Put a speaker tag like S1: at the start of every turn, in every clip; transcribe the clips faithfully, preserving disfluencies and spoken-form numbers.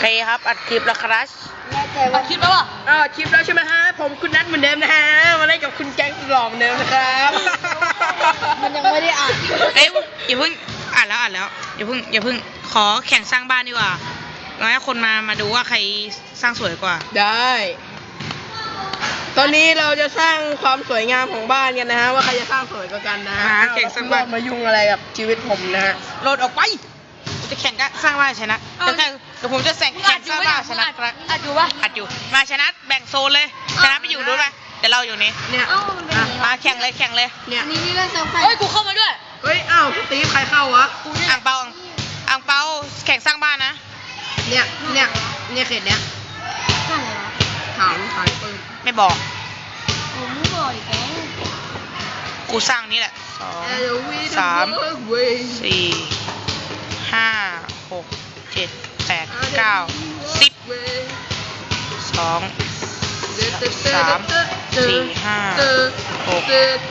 S1: เคครับอัดคลิปแล้วครับ
S2: แน่ใจว่า
S3: คิดแล้วอ่ะ
S4: อ่าคลิปแล้วใช่ไหมฮะผมคุณนัทเหมือนเดิมนะฮะมาเล่นกับคุณแก๊งหล่อเหมือนเดิมนะครับ
S2: มันยังไม่ได้อ่าน
S1: เอ้ยอย่าเพิ่งอ่านแล้วอ่านแล้วอย่าเพิ่งอย่าเพิ่งขอแข่งสร้างบ้านดีกว่าเราให้คนมามาดูว่าใครสร้างสวยกว่า
S4: ได้ ตอนนี้เราจะสร้างความสวยงามของบ้านกันนะฮะว่าใครจะสร้างสวยกว่ากันนะฮะ
S1: หาแข่งสร้างบ้าน
S4: มายุ่งอะไรกับชีวิตผมนะฮะ
S1: โหลดออกไปจะแข่งกันสร้างบ้านชนะเดี๋ยวแข่งเดี๋ยวผมจะแข่งแข่งสร้างบ้านชนะครับ
S3: อัดอยู่ปะ
S1: อัดอยู่มาชนะแบ่งโซนเลยชนะไปอยู่รู้ไหมเดี๋ยวเราอยู่นี้
S4: เนี่ย
S2: เอ้ามันเป็น
S1: อ่ะ
S2: อย่างนี้
S1: มาแข่งเลยแข่งเลย
S4: เนี่ย
S2: อันนี้นี่เล่นเซิร์ฟใคร
S3: เฮ้ยกูเข้ามาด้วย
S4: เฮ้ยอ้าวสตีฟใครเข้าวะ
S1: อ่างเปาอ่างเปาแข่งสร้างบ้านนะ
S4: เนี่ยเนี่ยเนี่ยเขตเนี้ย
S2: ข้างไหนวะ
S4: ถามถามปืน
S1: ไม่บอก
S2: ผมไม่บอกอีกแล้ว
S1: กูสร้างนี่แหละสอง สาม
S4: สี่
S1: สี่ห้าหกเจ็ดแปดเก้าสิบสองสามสี่ห้าหกเจ็ด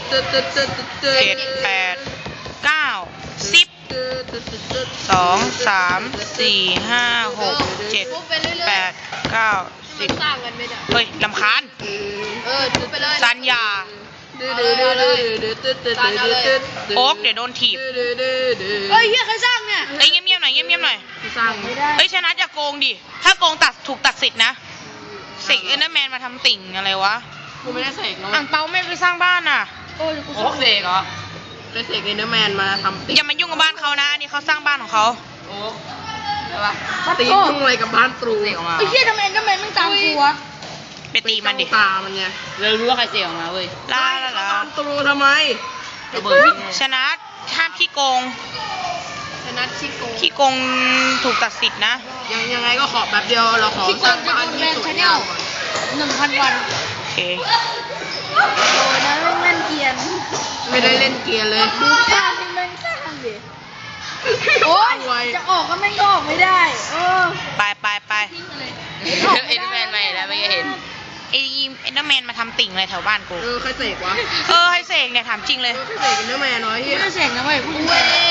S1: แปดเก้าสิบสองสามสี่ห้าหกเจ็ดแปดเก้าสิบ
S2: สร้างกันไม่ได้
S1: เฮ้ยลำคาญ
S2: เออทุบไปเลย
S1: สัญญาโอ๊กเดี๋ยวโดนถีบ
S2: เฮ้ยเฮียใครสร้างเนี่ย
S1: เอ้ยเงียบๆหน่อยเงียบๆหน่อย
S4: สร้าง
S2: ไม่ได้
S1: เฮ้ยชนะอย่าโกงดิ ถ้าโกงตัดถูกตัดสิทธิ์นะเสกเอนเดอร์แมนมาทำติ่งอะไรวะ
S4: กูไม่ได้เสกนะ
S1: อ่างเปาไม่ไปสร้างบ้านอ่ะ
S2: โอ้ยกู
S4: โอ้เสกเหรอไปเสกเอนเดอร์แมนมาทำติ๊
S1: อย่ามายุ่งกับบ้านเขานะอันนี่เขาสร้างบ้านของเขา
S4: โอ้ใช่ปะตียุ่งอะไรกับบ้านตรูเสกออกมา
S2: ไอ้เฮียทำไมก็ไม่มึงตามกูวะ
S1: ไปตีมันดิ
S4: ตามันไง
S3: เรารู้ว่าใครเสียออกมาเว้ย
S1: ลาลาลา
S4: บ้านตรูทำไม
S3: ระเบิด
S1: ชนะห้ามขี้โกง
S2: ชนะชิโก
S1: ขี้โกงถูกตัดสิทธิ์นะ
S4: ยังยังไงก็ขอแบบเดียวเราขอ
S2: พี่โก
S4: สร้าง
S2: จะ
S4: บ้าน
S2: โดนแบ
S4: ที่
S2: น
S4: สว
S2: ชาย แน
S4: งา
S2: ล
S4: มก่อน
S2: หนึ่งพันวัน
S1: โอเค
S2: โอ้ยนะแม่งแม่นเกียน
S4: ไม่ได้เล่นเกียร์เลย
S2: ดูภาพที่แม่งสร้างดิโอ้ยจะออกก็แม่งก็ออกไม่ได้เออ
S1: ไปไปไป
S2: ทิ้งไปเลย
S3: เอ็นแมนใหม่แล้วไม่เห็น
S1: ไอ้เอนเดอร์แมนมาทำติ่งอะไรแถวบ้านกู
S4: เออใครเสกวะ
S1: เออให้เสกเนี่ยถามจริงเลย
S4: เออใครเสกเอนเดอร์แมนน้อยเฮี
S2: กู
S4: ย
S2: จะเสกนะเว้ยกูเอง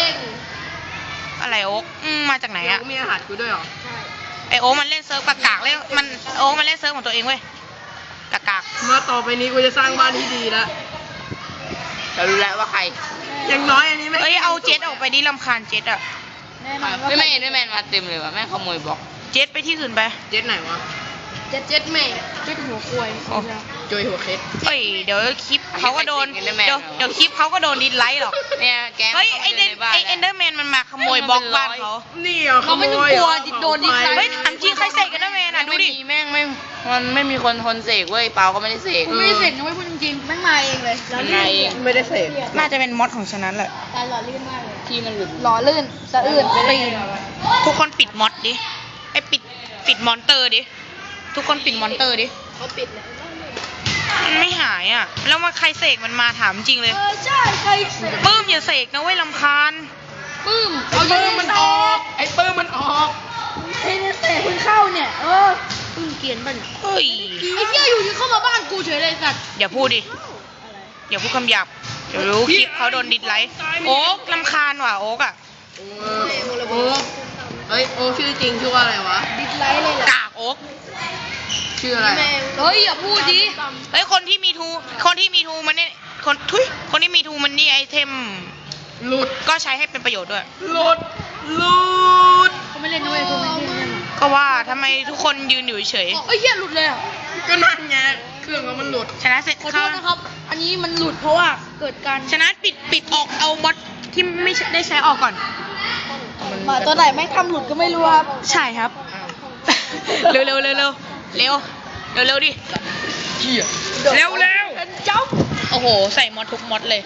S1: อะไรโอ๊กอืมมาจากไหน
S4: เดี๋ยว
S1: อะ
S4: กูมีอาหารกูด้วยเหรอ
S1: ไอโอ๊กมันเล่นเซิร์ฟกากากๆเล่นมันโอ๊กมันเล่นเซิร์ฟของตัวเองเว้ยกากาก
S4: มาต่อไปนี้กูจะสร้างบ้านที่ดีแล้ว
S3: เรารู้แล้วว่าใคร
S4: อย่างน้อยอันนี้ไม่
S1: เอ้ยเอาเจ็ตออกไปดิรำคาญเจ็ตอะ
S2: แน่นอนว่า
S3: ไม่ไม่เอ็นแมนมาเต็มเลยว่ะแม่งขโมยบล็อก
S1: เจ็ตไปที่อื่นไป
S4: เจ็ดไหนวะ
S2: เจ็ดเจ็ดแม่เจ็ดหัวควย
S1: โอ้
S4: โจยหัวเคส
S1: เฮ้ยเดี๋ยวคลิปเขาก็โดนเดี๋ยวเดี๋ยวคลิปเขาก็โดนดิสไลค์หรอก
S3: เนี่ยแก๊ง
S1: เฮ้ยไอเดนไอเอนเดอร์แมนมันมาขโมยบล็อกบ้านเขา
S4: นี่เหรอขโมยเหรอ
S1: เฮ้ยถามจริงใครเสกเอนเดอร์แมนอะดู
S3: ไม่
S1: ดิ
S3: มีแม่งไม่มันไม่มีคนทนเสกเว้ยเปาก็ไม่ได้เสก
S2: กูไม่ได้เสกนะเว้ยพูดจริงๆแม่งมาเองเลย
S3: มันมาเอง
S4: ไม่ได้เสก
S1: น่าจะเป็นมอดของฉันนั้นแหละ
S2: ตายหล่อลื่นมากเลย
S3: ที่มันหลุด
S2: หล่อลื่นสะอื่นปีน
S1: ทุกคนปิดมอดดิไอปิดปิดมอนเตอร์ดิทุกคนปิดมอนเตอร์ดิ
S2: เขาปิดแล้ว
S1: มันไม่หายอะแล้วมาใครเสกมันมาถามจริงเลย
S2: เออใช่ใครเสก
S1: ปื้มอย่าเสกนะเว้ยลำคาญ
S2: ปื้ม
S4: ไอ้ปื้มมันออก ไอ้ปื้มมันออก
S2: ไอ้เนี่ยเสกเพิ่งเข้าเนี่ยเออปื้มเกลียนป่ะเนี่ย
S1: เฮ้ย
S2: ไอ้เหี้ยอยู่ที่เข้ามาบ้านกูเฉยเลยสัตว์
S1: อย่าพูดดิ อย่าพูดคำหยาบ เดี๋ยวรู้คลิปเขาโดนดิสไลค์โอ๊กลำคาญว่ะโอ๊กอะ
S4: โอ้โอ้เฮ้ยโอ้ชื่อจริงชื่อว่าอะไรวะ
S2: ดิสไลค์เลยแหละ
S1: กากโอ๊ก
S4: ชื่ออะไร
S2: เฮ้ยอย่าพูดดิ
S1: เฮ้ยคนที่มีทู คนที่มีทูมันเนี่ยคนทุยคนที่มีทูมันนี่ไอเทม
S4: หลุด
S1: ก็ใช้ให้เป็นประโยชน์ด้วย
S4: หลุด หลุด
S2: เขาไม่เล่นนะเว้ยเขาไม่เล่น
S1: ก็ว่าทำไมทุกคนยืนอยู่เฉย
S2: เอ้ยเหี้ยหลุดเลยอ่ะ
S4: ก็นั่นไง เครื่องเรามันหลุด
S1: ชนะเสร็จ
S2: ขอโท
S1: เข้า
S2: ษนะครับ อันนี้มันหลุดเพราะว่าเกิดการ
S1: ชนะปิดปิดออกเอาบอทที่ไม่ได้ใช้ออกก่อน
S2: หมาตัวไหนแม่งทำหลุดก็ไม่รู้ครับ
S1: ใช่ครับ เร็วเร็วเร็วเร็วเร็วเร็วเร็วดิเร็วเร็ว
S2: เป็นจ๊อบ
S1: โอ้โห ใส่มอดทุกมอดเลย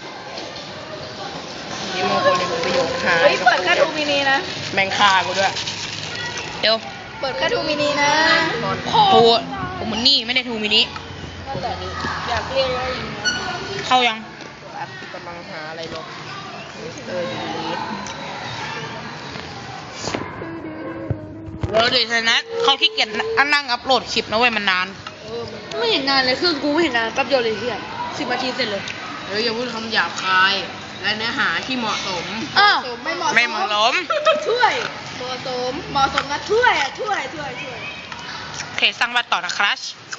S4: นี่มงคลในผลประโยชน์หาย
S2: เฮ้ยเปิดแค่ทูมินีนะ
S4: แมงคากูด้วย
S1: เร็ว
S2: เปิดแค่ทูมินีนะ
S1: ทูผมมันนี่ไม่ได้ทูมินิ
S2: อยากเรียกว่าอย่างนี้
S1: เข้ายัง
S4: แอปกำลังหาอะไรลบมิสเตอร์ลีด
S1: เร็วดิชนะเขาขี้เกียจนั่งอัพโหลดคลิปนะเว้ยมันนาน
S2: ไม่เห็นนานเลยคือกูไม่เห็นนานแป๊บเดียวเลยเฮียสิบนาทีเสร็จเลย
S4: เฮ้ยอย่าพูดคำหยาบคาย และเนื้อหาที่เหมาะสม
S2: อ้าวไม่เหมาะ
S1: ไม่เหมาะสม
S2: ช่วยเหมาะมาะสมเหมาะสมนะถ้วยอ่ะถ้วยถ้วยถ้วย
S1: โอเคสร้างบ้านต่อนะครับ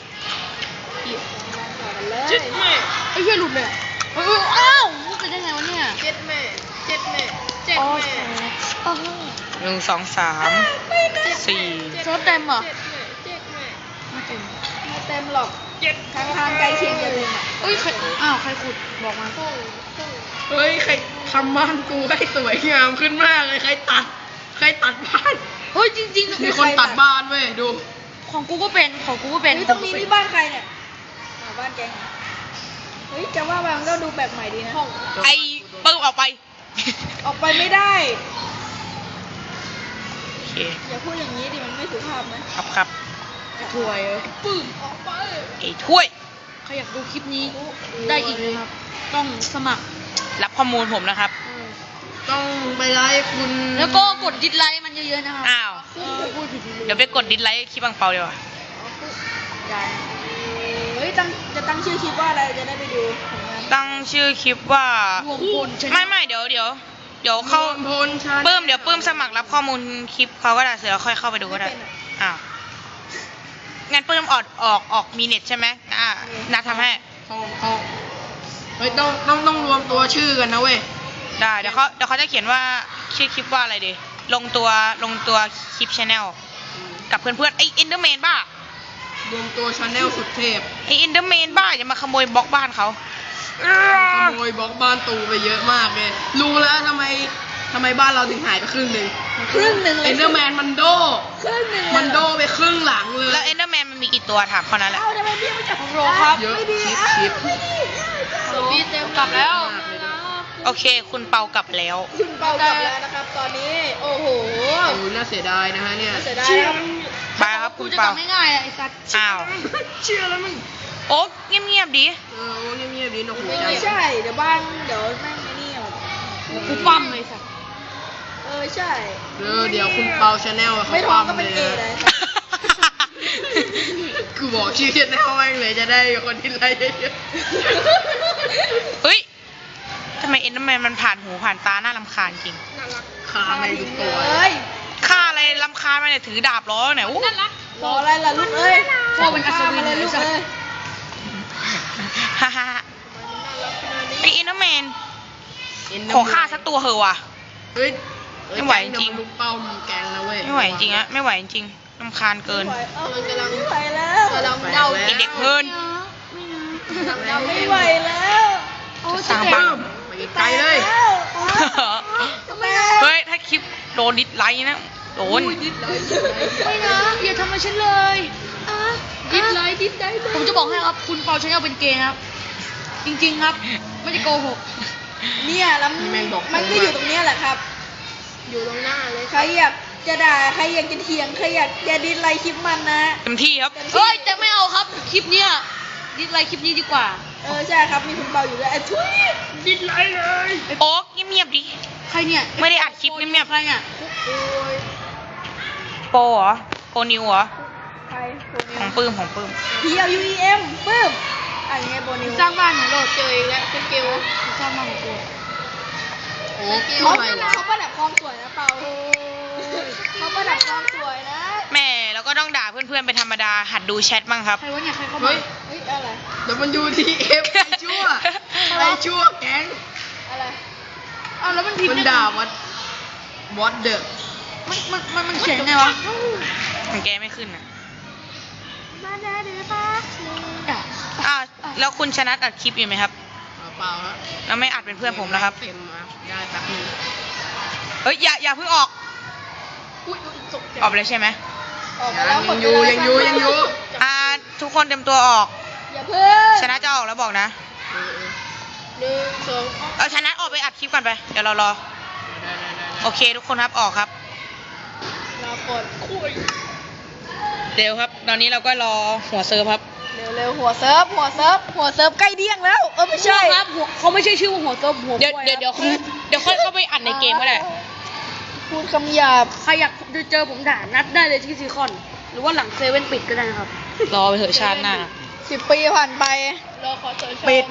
S2: มาต่อกันเลย
S4: เจ็ดแม่
S2: ไอ้เหี้ยหลุดเลยเอ้ยอ้าวมันเป็นได้ไงวะเนี่ย
S4: เจ็ดแม่เจ็ดแม่เจ็ด
S2: โอ้
S4: แม่
S2: โห
S1: หนึ่งสองสามสี่
S2: โซดเต็มเหรอ
S4: เจ็ดแม่
S2: ไม่เต็มไม่เต็มหรอกทางทางใกล้เคียงจะเต็มอ่ะเอ้ยใครอ้าวใครขุดบอกมา
S4: เฮ้ยใครทำบ้านกูให้สวยงามขึ้นมากเลยใครตัดใครตัดบ้าน
S2: เฮ้ยจริงๆ
S4: มีคนตัดบ้านเว้ยดู
S2: ของกูก็เป็นของกูก็เป็นตรงนี้นี่บ้านใครเนี่ยบ้านแกงเฮ้ยจะว่าไปมันก็ดูแปลกใหม่ดีนะ
S1: ไอ้เปิ้ลออกไป
S2: ออกไปไม่ได้
S1: โอเค
S2: อย่าพูดอย่างนี้ดิมันไม่สุภาพนะครับ
S1: ครับ
S2: ถวยปึ้งออกไป
S1: ไอ้ถ้วย
S2: ใครอยากดูคลิปนี้ได้อีกนะครับ ต้องสมัคร
S1: รับข้อมูลผมนะครับ
S4: ต้องไปไลฟ์คุณ
S2: แล้วก็กดดิสไลค์มันเยอะๆนะครับ
S1: อ้าว
S2: เออพูดผิด
S1: เดี๋ยวไปกดดิสไลค์คลิปบังเปาเดี๋ยวา
S2: ได้เฮ้ยตั้งจะตั้งชื่อคลิปว่าอะไรจะได้ไปดูผลงาน
S1: ตั้งชื่อคลิปว่าร
S2: วมพลชนะ
S1: ไม่ไม่เดี๋ยวเดี๋ยวเดี๋ยวเข้า
S4: รวมพลชาแนล
S1: เพิ่มเดี๋ยวเพิ่มสมัครรับข้อมูลคลิปเขาก็ได้เสร็จแล้วค่อยเข้าไปดูก็ได้ อ้าว งั้นเพิ่มออกออกออกมีเน็ตใช่ไหมอ่านัดทำให้
S4: ห้องห้องเฮ้ยต้องต้องต้องรวมตัวชื่อกันนะเว้ย
S1: ได้เดี๋ยวเขาเดี๋ยวเขาจะเขียนว่าชื่อคลิปว่าอะไรดีลงตัวลงตัวคลิปชาแนลกับเพื่อนๆไอเอ็นเดอร์แมนบ้าร
S4: วมตัวชาแนลสุดเทพ
S1: ไอเอ็นเดอร์แมนบ้าอย่ามาขโมยบล็อกบ้านเขา
S4: ขโมยบล็อกบ้านตูไปเยอะมากเลย รู้แล้วทำไมทำไมบ้านเราถึงหายไปครึ่งหนึ่ง
S2: ครึ่งหนึ่งเลย
S4: เอ็นเดอร์แมนมันโด
S2: ครึ่งหนึ่งเลย
S4: มันโดไปครึ่งหลังเลย
S1: แล้วเอ็นเดอร์แมนมันมีกี่ตัวถามเขานั้นแหละ
S2: เอ้าทำไมพี่ไม่จับของโรครับ
S4: เยอะ
S2: ไม่ดี
S4: ชิป
S2: อ่ะ
S4: ชิป
S2: ไม่ดี
S1: โรบี้เต็มกลับแล้ว โอเค คุณเปากลับแล้ว
S2: คุณเปากลับแล้วนะครับ ตอนนี้โอ้โห
S4: โอ้น่าเสียดายนะฮะเนี่ย
S2: เสียดายครับ
S1: ไปครับคุณเปา
S2: ง่ายๆไอ้สัตว์
S1: อ้าว
S4: เชื่อแล้วมึง
S1: โอ๊กเงียบๆดิ
S4: เออโอ้เงียบๆดีนกหัวใจ
S2: ไม่ใช่ เดี๋ยวบ้านเดี๋ยวแม่งไอ้นี่อ่ะกูปั้มเลยสัตว์เออใช่
S4: เออเดี๋ยวคุณเปาชาแนลเขา
S2: ไม่ท้องก็
S4: ปั๊ม
S2: เป็นเกย์
S4: เล
S2: เลย ย
S4: กูบอกชื่อชาแนลแม่งเลยจะได้คนที่ไลค์เยอะ
S1: เฮ้ยทำไมเอ็นเดอร์แมนมันผ่านหูผ่านตาน่ารำคาญจริง
S4: ๆขาไม่ทุกตัว
S2: เอ้ย
S1: ฆ่าอะไรรำคาญมาเนี่ยถือดาบล้อเนี่ยอู้
S2: รออะไรล่ะลูกเอ้ยพ่อเป็นอัศวินเลยลูกเอ้ย
S1: ฮ่าฮ่าฮ่าไอเอ็นเดอร์แมน
S4: Enderman
S1: ขอฆ่าสักตัวเหอะว่ะ
S4: เฮ้ยเอ้ย
S1: ไม่ไหวจริง
S4: แก๊เดี๋ยมันลุกเป้ามึงแกงนะเว้ย
S1: ไม่ไหวจริงอะไม่ไหวจริงรำคาญเกิน
S2: ไม่ไหวเอ้าไม่ไหวแล้ว
S4: กำลังเดา
S1: ไอเด็กเงิน
S2: ไม่ไหวแล้วโอ้
S1: สร้างบ้าน
S4: ไปไกลเลย
S2: ทำไมอ่ะ
S1: เฮ้ย ถ้าคลิปโดนดิสไลค์นะ โดน
S2: ไม่นะอย่าทำมาฉันเลยดิสไลค์ดิสไลค์ผมจะบอกให้ครับคุณเปาชาแนลเป็นเกย์ครับ จริงๆครับ ไม่ได้โกหก เนี่ยแล้ว
S4: แม่งบอก
S2: มันก็อยู่ตรงเนี้ยแหละครับ อยู่ตรงหน้าเลย ใครอยากจะด่า ใครอยากจะเถียง ใครอยากจะดิสไลค์คลิปมันนะ
S1: เต็มที่ครับ
S2: เฮ้ยแต่ไม่เอาครับ คลิปเนี้ยดิสไลค์คลิปนี้ดีกว่า เออใช่ครับ มีคุณเปาอยู่ด้วยไอ้ทุยดิสไลค์เลย
S1: โอ๊กเงียบๆดิ
S2: ใครเนี่ย
S1: ไม่ได้อัดคลิปเงียบๆ
S2: ใครเนี่ย
S1: โปรเหรอ โปรนิวเหรอ
S2: ใครโบนิ
S1: ของปื้มของปื้ม
S2: P L U E M ปึ้มอ่ะยังไงโบนิวสร้างบ้านของโหลดเจออีกแล้วเป็นเกลสร้างบ้านของกู
S4: โอ้
S2: เขา
S4: อะไรวะ
S2: เขาประดับความสวยนะเปาเขาประดับความสวยนะ
S1: แม่แล้วก็ต้องด่าเพื่อนๆเป็นธรรมดา หัดดูแชทบ้างครับ
S2: ใครวะเนี่ยใครเข้า
S4: เฮ้
S2: มาย เฮ้ยอะไร
S4: แล้วมันยูทีเอฟไอชั่วไอชั่วแก๊ง
S2: อะไรอ้าวแล้วมันพิมพ์
S4: มัน
S2: ได้
S4: ด่าวัดวอตเดอ
S2: มันมันมันมันเขียนไงวะ
S1: ของแกไม่ขึ้นอ่ะ
S2: มาได้หรือเปล่าด่า
S1: อ้าวแล้วคุณชนะอัดคลิปอยู่ไหมครับ
S4: เปล่าครับ
S1: แล้วไม่อัดเป็นเพื่อนผมนะครับ
S4: เต็มมาได้แป๊บนึง
S1: เฮ้ยอย่าอย่าเพิ่งออก
S2: อุ้ยอุ๊ยตกใจ
S1: ออกไปเลยใช่ไหม
S2: ออกมาแล้ว
S4: ยังอยู่ยังอยู่ยังอยู่
S1: อ่าทุกคนเตรียมตัวออก
S2: อย่าเพิ่ง
S1: ชนะจะออกแล้วบอกนะ
S4: เออ
S2: หนึ่งสอง
S1: เอาชนะออกไปอัดคลิปก่อนไป เดี๋ยวเรารอ
S4: เออได้ได้ได้ได้
S1: โอเคทุกคนครับออกครับ
S2: รอก่อนคุย
S1: เดี๋ยวครับ ตอนนี้เราก็รอหัวเซิร์ฟครับ
S2: เร็วเร็วหัวเซิร์ฟหัวเซิร์ฟหัวเซิร์ฟใกล้เดี้ยงแล้วเออไม่ใช่ครับหัวเขาไม่ใช่ชื่อว่าหัวเซิร์ฟหัว
S1: เดี๋ยวเดี๋ยวเดี๋ยวค่อยเดี๋ยวค่อยเข้าไปอัดในเกมก็ได้
S2: พูดคำหยาบใครอยากเจอผมด่านัดได้เลยที่ซีคอน หรือว่าหลังเซเว่นปิดก็ได้นะครับ
S1: รอไปเถอะชาติหน้า
S2: สิบปีผ่านไปรอขอเชิญปิด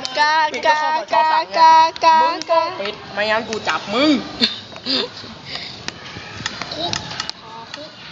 S2: กากากากากากา
S4: ปิดไม่งั้นกูจับมึง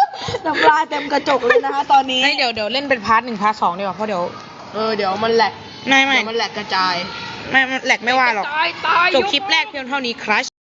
S4: น้ำลายเต็มกระจกเลยนะคะตอนนี้
S1: เฮ้ยเดี๋ยวเดี๋ยวเล่นเป็นพาร์ทหนึ่งพาร์ทสองดีกว่าเพราะเดี๋ยว
S4: เออเดี๋ยวมันแหลก
S1: ไม่ไม่
S4: เดี๋ยวมันแหลกกระจาย
S1: ไม่ไม่แหลกไม่ว่าหรอก
S2: ตายตาย
S1: จบคลิปแรกเพียงเท่านี้ครัช